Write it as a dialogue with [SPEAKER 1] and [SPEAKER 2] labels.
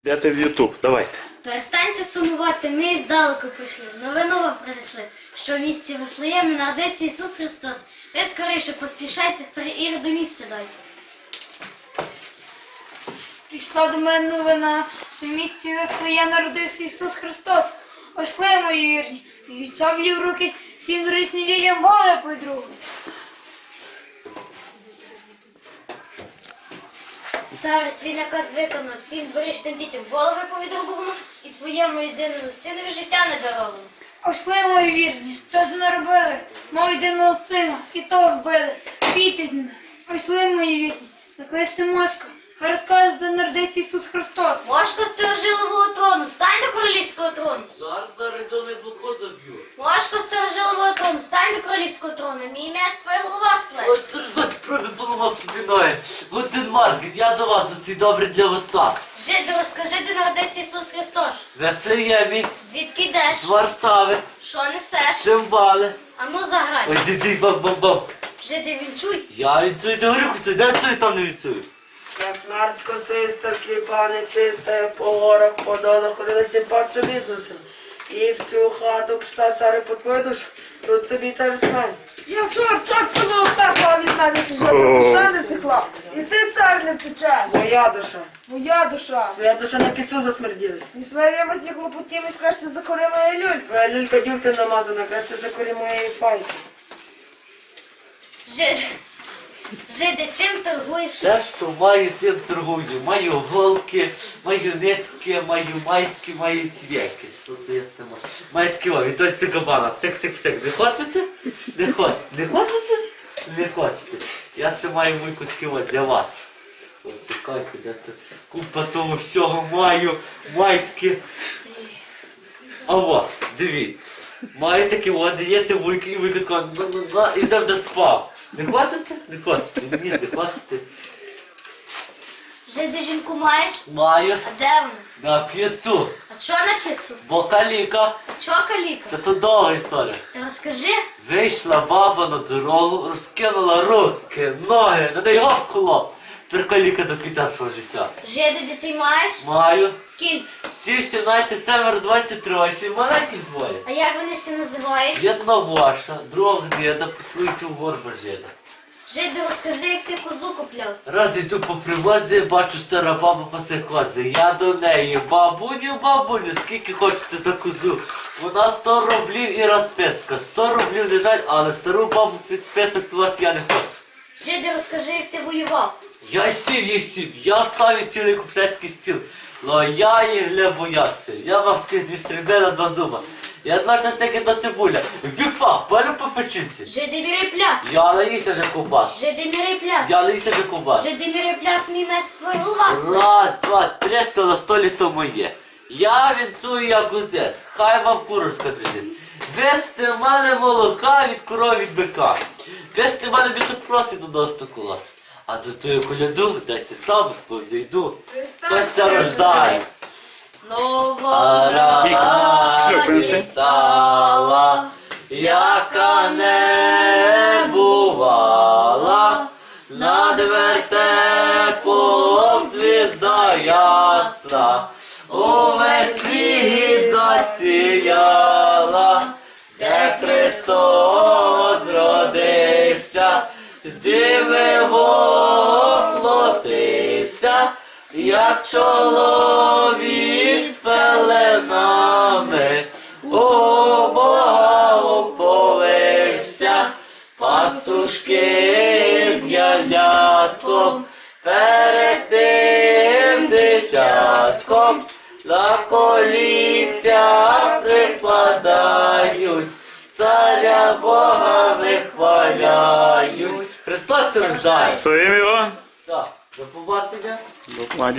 [SPEAKER 1] Йдете в Ютуб, давайте.
[SPEAKER 2] Перестаньте сумувати, ми здалеку прийшли. Новину вам принесли, що в місті Вифлеємі народився Ісус Христос. Ви скоріше поспішайте, цар Ірод до місця дайте.
[SPEAKER 3] Прийшла до мене новина, що в місті Вифлеєм народився Ісус Христос. Пошли, мої вірні, візьміть шаблі в руки, всім дорічним дітям голови по-другу.
[SPEAKER 2] Цар, твій наказ виконав, всім дворічним дітям голови повідрубовано і твоєму єдиному синові життя не даровано.
[SPEAKER 3] Пошли, мої вірні, що ж наробили? Мого єдиного сина, і того вбили. Бійте з ними. Пошли, мої вірні, закличте Мошка. Хай розкаже, де народився Ісус Христос.
[SPEAKER 2] Мошко сторожилового трону, стань до королівського трону.
[SPEAKER 4] Зараз до неплохо заб'ю.
[SPEAKER 2] Мошко сторожилового трону, стань до королівського трону. Мій меч, твоя голова сплеч.
[SPEAKER 4] Оце ж за спроби поламав собі ноги. Лутин Маркін, я до вас оцей добрий для вас сад.
[SPEAKER 2] Жиди, розкажи, де народився Ісус Христос.
[SPEAKER 4] В Вифлеємі,
[SPEAKER 2] Звідки йдеш?
[SPEAKER 4] з Варсави,
[SPEAKER 2] Що несеш?
[SPEAKER 4] Шимбали.
[SPEAKER 2] Ану заграй.
[SPEAKER 4] Ось зі бам-бам-бам.
[SPEAKER 2] Жиди, вінчуй.
[SPEAKER 4] Я вінцюю до горіху, не цюю, там не вінцюю.
[SPEAKER 5] Я смерть косиста, сліпа, нечиста, я по горах, по долах, ходилася паче бізнесом. І в цю хату пішла цари по твою душу, тут тобі цар смерть.
[SPEAKER 6] Я вчора чорт самого пекла від мене ще жодна душа не текла. І ти, цар, не втечеш.
[SPEAKER 5] Моя душа.
[SPEAKER 6] Моя душа.
[SPEAKER 5] Твоя душа на піцу засмерділась.
[SPEAKER 6] Зі своїми з хлопотів краще закори моя люлька.
[SPEAKER 5] Твоя люлька дюлька намазана, краще закорі моєї файки.
[SPEAKER 2] Жиди, чим торгуєш?
[SPEAKER 4] Все, що маю, тим торгую. Маю голки, маю нитки, маю майки, маю цвяки. Що це я сама? Маю такі о, від ось кабана. Псик. Не хочете? Не хочете? Не хочете? Не хочете. Я це маю мойку такі от для вас. От чекайте, де то купа того всього маю, майтки. А от, дивіться. Маю такі от, даєте вуйки і вуйка така, і завжди спав. Не хочете? Не хочете. Ні, не хочете.
[SPEAKER 2] Жиди, жінку маєш?
[SPEAKER 4] Маю
[SPEAKER 2] А де вона?
[SPEAKER 4] на п'єцу.
[SPEAKER 2] А що на піцу?
[SPEAKER 4] Бо каліка.
[SPEAKER 2] Чого каліка?
[SPEAKER 4] Та то довга історія.
[SPEAKER 2] Ти розкажи.
[SPEAKER 4] Вийшла баба на дорогу, розкинула руки, ноги, на неї гоп хлоп. Тепер каліка до кінця свого життя.
[SPEAKER 2] Жиди, дітей маєш?
[SPEAKER 4] Маю.
[SPEAKER 2] Скільки?
[SPEAKER 4] 7, 17, 7, 23, ще й маленьких двоє.
[SPEAKER 2] А як вони всі називають?
[SPEAKER 4] Одна ваша, друга гнида, поцілуйте в горба жида.
[SPEAKER 2] Жиди, розкажи, як ти козу купляв.
[SPEAKER 4] Раз йду по привозі, бачу, стара баба пасе кози. Я до неї, бабуню, скільки хочете за козу? Вона 100 рублів і розписка. 100 рублів не жаль, але стару бабу список силати я не хочу.
[SPEAKER 2] Жиди, розкажи, як ти воював.
[SPEAKER 4] Я сів, я вставив цілий купляцький стіл. Но я їх не боявся. Я мав таких 2 стрільби на 2 зуба. І одночасно таки до цибуля. Віпав, палю по печінці.
[SPEAKER 2] Жиди, міри пляц.
[SPEAKER 4] Я наївся вже ковбас.
[SPEAKER 2] Жиди, міри пляц.
[SPEAKER 4] Я наївся вже ковбас.
[SPEAKER 2] Жиди, міри пляц, мій меч, твоя голова сплеч.
[SPEAKER 4] Раз, два, 3, на столі то моє. Я вінцую як узет, хай вам курочка тридить. Вести в мене молока від коров від бика. Вести в мене більше просить до стоку лас. А за тою коляду дайте сам повзійду. Хтось це рождає.
[SPEAKER 2] Нова
[SPEAKER 4] Раді сала, яка не бувала, над вертепом звізда ясна, увесь світ засіяла, де Христос зродився, з діви воплотився, як чоловік з пеленами, у Бога уповився, пастушки з ягнятком, перед тим дитятком, на коліця прикладають, царя Бога вихваляють. Христос рождає.
[SPEAKER 1] Своїм його.
[SPEAKER 4] Все, до побачення.
[SPEAKER 1] До